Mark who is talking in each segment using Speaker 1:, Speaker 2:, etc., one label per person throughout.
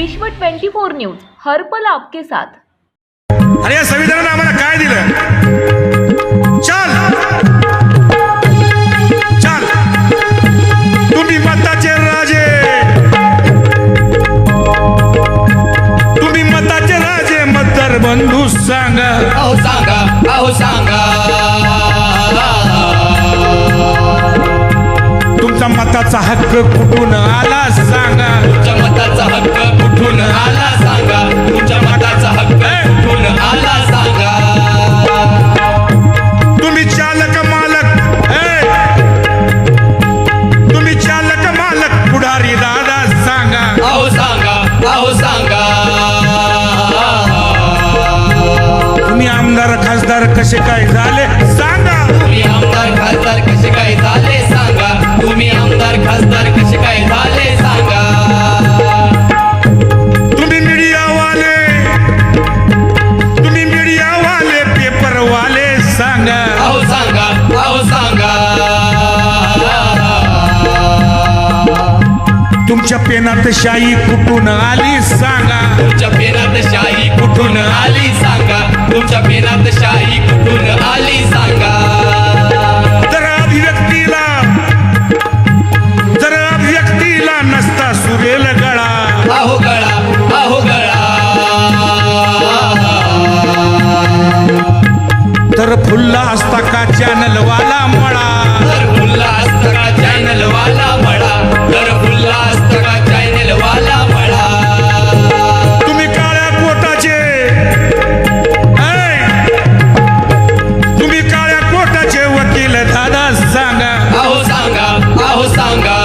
Speaker 1: विश्व 24 न्यूज, हर पल आपके साथ।
Speaker 2: अरे या संविधानाने आम्हाला काय दिलं? चल चल, तुम्ही मताचे राजे, तुम्ही मताचे राजे, मतदार बंधू सांगा,
Speaker 3: अहो सांगा, अहो सांगा,
Speaker 2: तुमचा मताचा हक्क कुठून आला सांगा,
Speaker 3: तुमच्या मताचा हक्क कुठून आला सांगा, तुमच्या मताचा हक्क कुठून आला सांगा।
Speaker 2: तुम्ही चालक मालक, तुम्ही चालक मालक, पुढारी दादा सांगा,
Speaker 3: अहो सांगा, अहो सांगा,
Speaker 2: तुम्ही आमदार खासदार कसे काय झाले सांगा,
Speaker 3: तुम्ही आमदार खासदार कसे काय झाले सांगा, तुम्ही आमदार खासदार कसे काय झाले सांगा।
Speaker 2: तुम्ही मीडियावाले, तुम्ही मीडियावाले, पेपरवाले सांगा,
Speaker 3: अहो सांगा, अहो सांगा,
Speaker 2: तुमच्या पेनात शाही कुठून आली सांगा,
Speaker 3: तुमच्या पेनात शाही कुठून आली सांगा, तुमच्या पेनात शाही कुठून आली सांगा।
Speaker 2: जर अभिव्यक्तीला नसता सुरेल गळा,
Speaker 3: अहो गळा, अहो गळा,
Speaker 2: तर फुल्ला असता का चॅनलवाला मळा,
Speaker 3: तर फुल्ला असता का चॅनल वाला मळा, तर फुल्ला असता का चॅनल वाला मळा।
Speaker 2: तुम्ही काळ्या कोटाचे, तुम्ही काळ्या कोटाचे वकील दादा सांगा,
Speaker 3: अहो सांगा, अहो सांगा,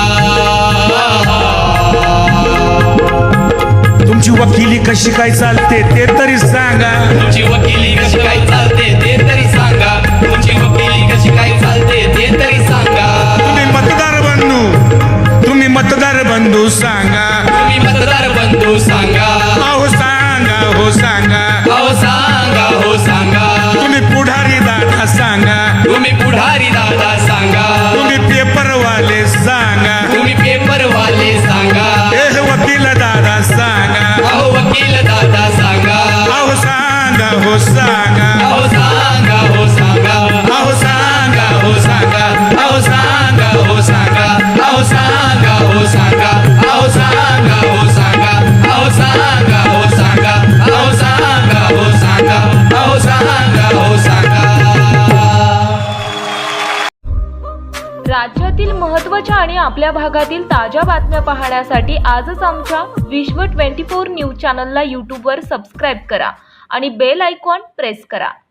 Speaker 2: तुमची वकिली कशी काय चालते ते तरी सांगा,
Speaker 3: तुमची वकिली कशी काय चालते ते तरी सांगा, तुमची वकिली कशी काय चालते ते तरी सांगा।
Speaker 2: तुम्ही मतदार बंधू, तुम्ही मतदार बंधू सांगा,
Speaker 3: तुम्ही मतदार बंधू सांगा,
Speaker 2: अहो सांगा, हो सांगा,
Speaker 3: अहो सांगा, हो सांगा,
Speaker 2: तुम्ही पुढारी दादा सांगा,
Speaker 3: तुम्ही पुढारी दादा सांगा,
Speaker 2: तुम्ही पेपरवाले सांगा,
Speaker 3: तुम्ही पेपरवाले सांगा,
Speaker 2: हे वकील दादा सांगा,
Speaker 3: अहो वकील दादा सांगा,
Speaker 2: अहो सांगा, हो सांगा,
Speaker 3: अहो सांगा, हो सांगा,
Speaker 2: अहो सांगा, हो सांगा,
Speaker 3: अहो सांगा, हो सांगा, अहो सांगा, हो सांगा, अहो सांगा, हो सांगा, अहो सांगा, हो सांगा, अहो सांगा, हो सांगा, अहो सांगा, हो सांगा।
Speaker 1: राज्यातील महत्त्वाच्या आणि आपल्या भागातील ताज्या बातम्या पाहण्यासाठी आजच आमच्या विश्व 24 न्यूज चॅनलला यूट्यूबवर सबस्क्राईब करा आणि बेल आयकॉन प्रेस करा।